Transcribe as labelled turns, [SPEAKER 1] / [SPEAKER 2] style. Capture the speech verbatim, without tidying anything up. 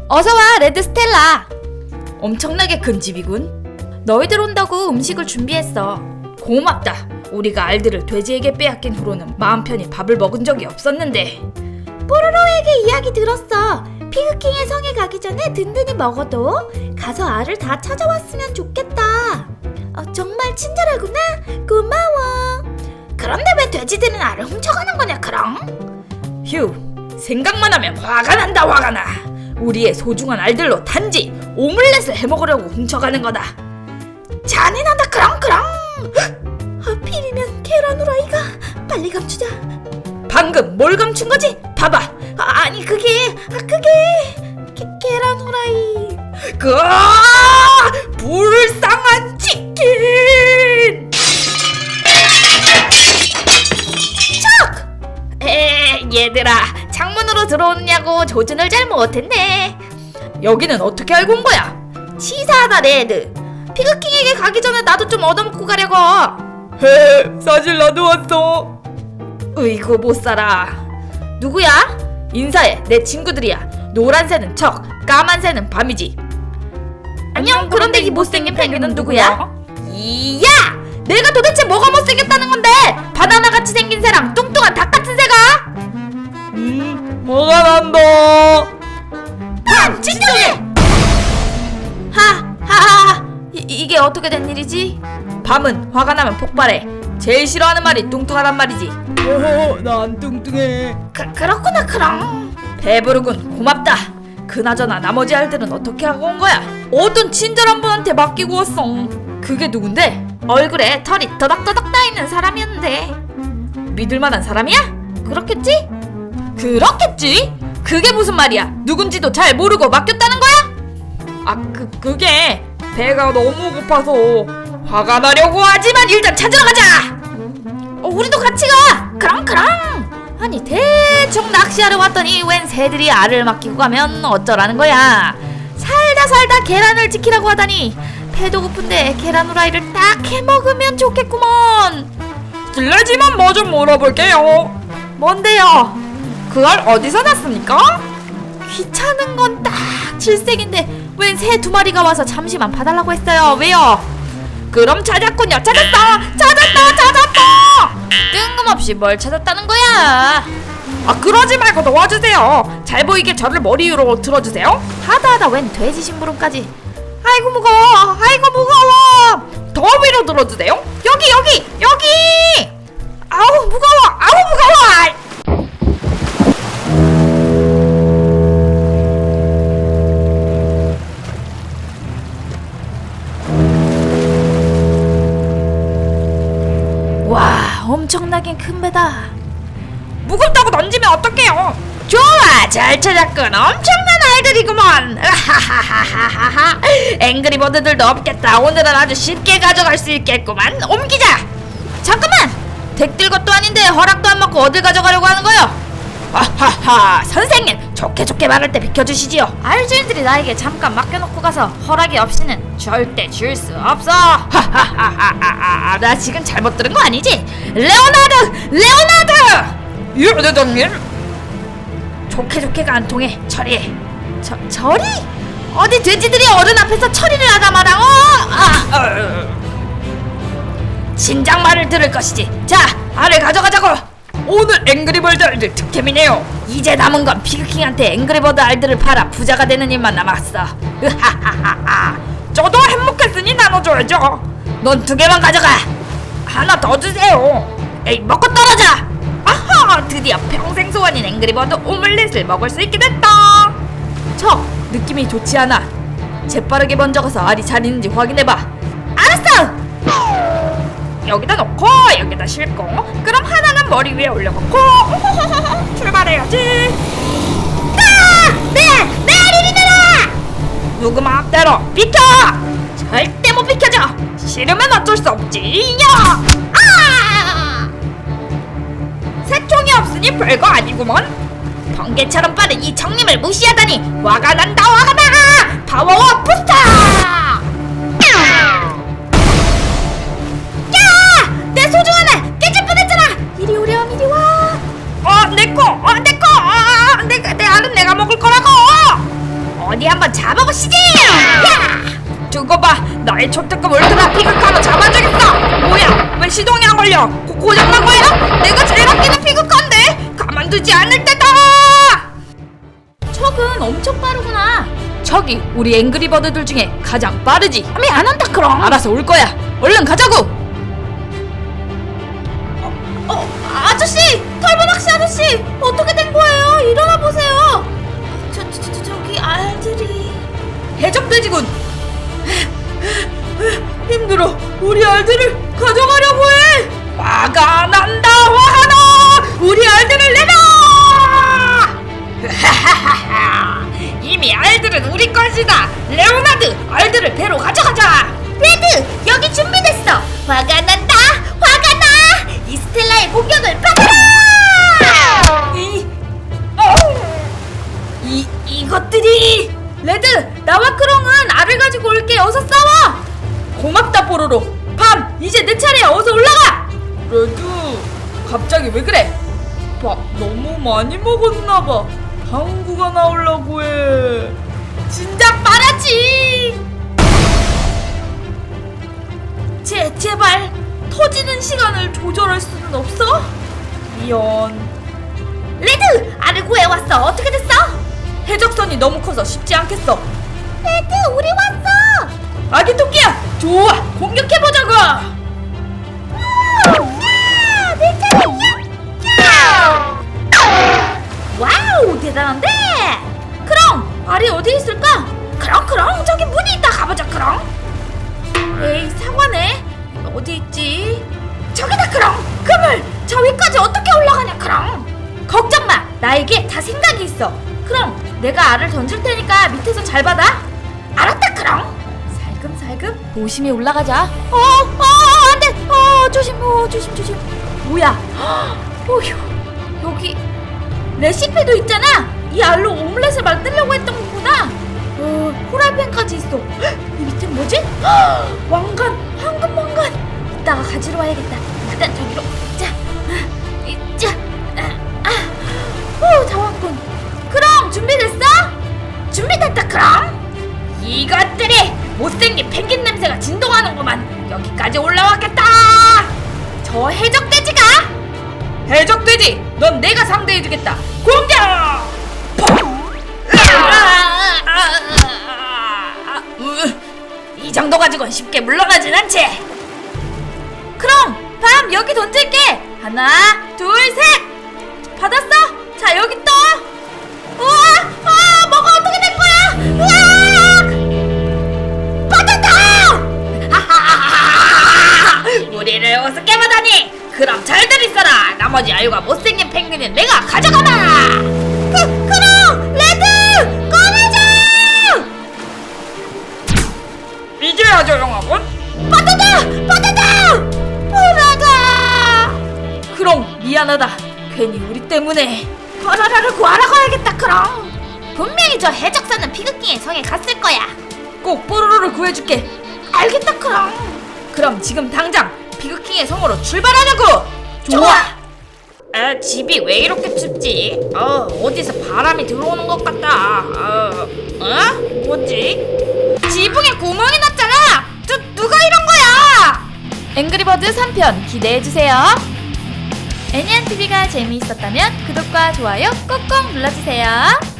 [SPEAKER 1] 어서와 레드 스텔라. 엄청나게 큰 집이군. 너희들 온다고 음식을 준비했어. 고맙다. 우리가 알들을 돼지에게 빼앗긴 후로는 마음 편히 밥을 먹은 적이 없었는데.
[SPEAKER 2] 뽀로로에게 이야기 들었어. 피그킹의 성에 가기 전에 든든히 먹어도 가서 알을 다 찾아왔으면 좋겠다. 어, 정말 친절하구나. 고마워. 그런데 왜 돼지들은 알을 훔쳐가는 거냐 그럼?
[SPEAKER 1] 휴, 생각만 하면 화가 난다. 화가 나. 우리의 소중한 알들로 단지 오믈렛을 해먹으려고 훔쳐가는 거다.
[SPEAKER 2] 잔인하다. 그럼 그럼. 하필이면 계란 후라이가. 빨리 감추자.
[SPEAKER 1] 방금 뭘 감춘 거지? 봐봐.
[SPEAKER 2] 아, 아니 그게 아 그게 게, 계란 후라이.
[SPEAKER 1] 그 불쌍한 치킨.
[SPEAKER 2] 척! 에 얘들아, 창문으로 들어오느냐고 조준을 잘 못했네.
[SPEAKER 1] 여기는 어떻게 알고 온 거야?
[SPEAKER 2] 치사하다 레드. 피그킹에게 가기 전에 나도 좀 얻어먹고 가려고.
[SPEAKER 1] 헤, 사실 나도 왔어. 으이구 못살아.
[SPEAKER 2] 누구야?
[SPEAKER 1] 인사해. 내 친구들이야. 노란새는 척, 까만새는 밤이지.
[SPEAKER 2] 안녕. 그런데 이 못생긴 펭귄은 누구야?
[SPEAKER 1] 이야! 내가 도대체 뭐가 못생겼다는 건데? 바나나같이 생긴 새랑 뚱뚱한 닭같은 새가? 음, 뭐가 난다.
[SPEAKER 2] 팜! 진정해! 하하하. 이, 이게 어떻게 된 일이지?
[SPEAKER 1] 밤은 화가 나면 폭발해. 제일 싫어하는 말이 뚱뚱하단 말이지.
[SPEAKER 3] 어허, 난 뚱뚱해.
[SPEAKER 2] 그, 그렇구나 그럼.
[SPEAKER 1] 배부르군. 고맙다. 그나저나 나머지 알들은 어떻게 하고 온 거야? 어떤 친절한 분한테 맡기고 왔어. 그게 누군데?
[SPEAKER 2] 얼굴에 털이 더덕더덕 나있는 사람이었는데.
[SPEAKER 1] 믿을만한 사람이야?
[SPEAKER 2] 그렇겠지?
[SPEAKER 1] 그렇겠지? 그게 무슨 말이야? 누군지도 잘 모르고 맡겼다는 거야? 아, 그, 그게 배가 너무 고파서 화가 나려고 하지만 일단 찾으러 가자!
[SPEAKER 2] 어, 우리도 같이 가! 그럼 그럼!
[SPEAKER 1] 아니 대충 낚시하러 왔더니 웬 새들이 알을 맡기고 가면 어쩌라는 거야? 살다 살다 계란을 지키라고 하다니. 배도 고픈데 계란 후라이를 딱 해먹으면 좋겠구먼. 실례지만 뭐 좀 물어볼게요. 뭔데요? 그 알 어디서 났습니까? 귀찮은 건 딱 질색인데 웬 새 두 마리가 와서 잠시만 봐달라고 했어요. 왜요? 그럼 찾았군요. 찾았어! 찾았다! 찾았다! 뜬금없이 뭘 찾았다는 거야? 아, 그러지 말고 도와주세요. 잘 보이게 저를 머리 위로 들어주세요. 하다하다 웬 돼지 심부름까지. 아이고 무거워. 아이고 무거워. 더 위로 들어주세요. 여기 여기 여기. 아우 무거워. 아우 무거워. 와, 엄청나게 큰 배다. 무겁다고 던지면 어떡해요? 좋아, 잘 찾았군. 엄청난 아이들이구먼. 하하하하하하. 앵그리버드들도 없겠다. 오늘은 아주 쉽게 가져갈 수 있겠구만. 옮기자. 잠깐만. 덱들 것도 아닌데 허락도 안 받고 어딜 가져가려고 하는 거요? 하하하. 선생님, 좋게 좋게 말할 때 비켜주시지요. 알주인들이 나에게 잠깐 맡겨놓고 가서 허락이 없이는 절대 줄 수 없어. 하하하하하. 나 지금 잘못 들은 거 아니지? 레오나르드! 레오나르드! 예, 대장님. 좋게 좋게가 안 통해. 처리해. 저, 처리? 어디 돼지들이 어른 앞에서 처리를 하다 마라. 어? 아, 어. 진작 말을 들을 것이지. 자, 알을 가져가자고. 오늘 앵그리버드 알들 득템이네요. 이제 남은 건 피그킹한테 앵그리버드 알들을 팔아 부자가 되는 일만 남았어. 으하하하하. 저도 행복했으니 나눠줘야죠. 넌 두 개만 가져가. 하나 더 주세요. 에이, 먹고 떨어져. 아하, 드디어 평생 소원인 앵그리버드 오믈렛을 먹을 수 있게 됐다. 저 느낌이 좋지 않아. 재빠르게 먼저 가서 알이 잘 있는지 확인해봐. 알았어. 여기다 놓고 여기다 싣고 그럼 하나는 머리 위에 올려놓고 출발해야지. 아! 내! 내 알이 내라! 누구 마음대로 비켜! 절대 못 비켜줘. 싫으면 어쩔 수 없지. 야! 아! 새총이 없으니 별거 아니구먼. 번개처럼 빠른 이 청님을 무시하다니 화가 난다. 화가 나. 파워워 부스터. 소중한 애 깨질 뻔했잖아. 이리 오렴 이리 와. 어 내꺼 어 내꺼 어, 내, 내 알은 내가 먹을 거라고. 어 어디 한번 잡아보시지. 야! 두고 봐. 나의 초특급 울트라 피그카로 잡아주겠어. 뭐야? 왜 시동이 안 걸려? 고, 고장난 거야? 내가 제일 아끼는 피그카인데 가만두지 않을 때다.
[SPEAKER 2] 척은 엄청 빠르구나.
[SPEAKER 1] 저기 우리 앵그리버드들 중에 가장 빠르지.
[SPEAKER 2] 아미 안 한다 그럼.
[SPEAKER 1] 알아서 올 거야. 얼른 가자고.
[SPEAKER 2] 어, 아저씨! 털보낚시 아저씨! 어떻게 된 거예요? 일어나 보세요! 저, 저, 저, 저기 알들이...
[SPEAKER 1] 해적돼지군. 힘들어. 우리 알들을 가져가려고 해. 화가 난다. 화가 나. 우리 알들을 내놔. 이미 알들은 우리 것이다. 레오나드, 알들을 배로 가져가자.
[SPEAKER 2] 레드! 여기 준비됐어! 화가 난다! 화가 나! 이 스텔라의 공격을 받아라!
[SPEAKER 1] 이, 어, 이 이것들이. 레드, 나와 크롱은 알을 가지고 올게. 어서 싸워. 고맙다 뽀로로. 밤, 이제 내 차례야. 어서 올라가. 레드, 갑자기 왜 그래? 밥 너무 많이 먹었나봐. 방구가 나오려고 해. 진작 말하지. 제, 제발 터지는 시간을 조절할 수는 없어? 미안.
[SPEAKER 2] 레드! 알을 구해왔어! 어떻게 됐어?
[SPEAKER 1] 해적선이 너무 커서 쉽지 않겠어.
[SPEAKER 2] 레드! 우리 왔어!
[SPEAKER 1] 아기 토끼야, 좋아, 공격해보자고.
[SPEAKER 2] 야! 내 차례야! 와우! 대단한데?
[SPEAKER 1] 크롱, 알이 어디 있을까?
[SPEAKER 2] 크롱 크롱 저기 문이 있다 가보자 크롱.
[SPEAKER 1] 에이, 사과네. 어디 있지?
[SPEAKER 2] 저기다 크롱. 그물 저 위까지 어떻게 올라가냐 크롱.
[SPEAKER 1] 걱정마, 나에게 다 생각이 있어. 크롱, 내가 알을 던질 테니까 밑에서 잘 받아.
[SPEAKER 2] 알았다 크롱.
[SPEAKER 1] 살금살금 조심히 올라가자.
[SPEAKER 2] 어, 어, 안돼. 어, 조심, 어, 조심, 조심.
[SPEAKER 1] 뭐야? 어휴, 여기 레시피도 있잖아. 이 알로 오믈렛을 만들려고 했던 거구나. 어, 후라이팬까지 있어. 헉, 이 밑에 뭐지? 헉, 왕관, 황금 왕관. 이따가 가지러 와야겠다. 일단 저기로. 자, 아, 이, 자, 아, 아, 오, 다 왔군. 그럼 준비됐어?
[SPEAKER 2] 준비됐다 크롱.
[SPEAKER 1] 이것들이 못생긴 펭귄 냄새가 진동하는구만. 여기까지 올라왔겠다. 저 해적돼지가. 해적돼지, 넌 내가 상대해주겠다. 공격! 이 정도 가지고는 쉽게 물러나진 않지. 그럼 밤 여기 던질게. 하나, 둘, 셋. 받았어? 자, 여기 또. 우와, 아, 뭐가 어떻게 된 거야? 우와! 받았다! 하하하하! 우리를 우습게 보다니. 그럼 잘들 있어라. 나머지 아유가 못생긴 펭귄은 내가 가져가마.
[SPEAKER 2] 그, 크롱! 레드! 꺼내줘!
[SPEAKER 1] 이제야 조용하군.
[SPEAKER 2] 받았다! 받았다! 보라가!
[SPEAKER 1] 크롱, 미안하다. 괜히 우리 때문에.
[SPEAKER 2] 보라를 구하러 가야겠다 크롱. 분명히 저 해적사는 피그킹의 성에 갔을 거야.
[SPEAKER 1] 꼭 뽀로로를 구해줄게.
[SPEAKER 2] 알겠다 크롱.
[SPEAKER 1] 그럼 지금 당장 피그킹의 성으로 출발하자고.
[SPEAKER 2] 좋아.
[SPEAKER 1] 아, 집이 왜 이렇게 춥지? 어, 어디서 바람이 들어오는 것 같다. 어, 어? 뭐지? 지붕에 구멍이 났잖아. 누, 누가 이런 거야? 앵그리버드 삼 편 기대해주세요. 애니안티비가 재미있었다면 구독과 좋아요 꾹꾹 눌러주세요.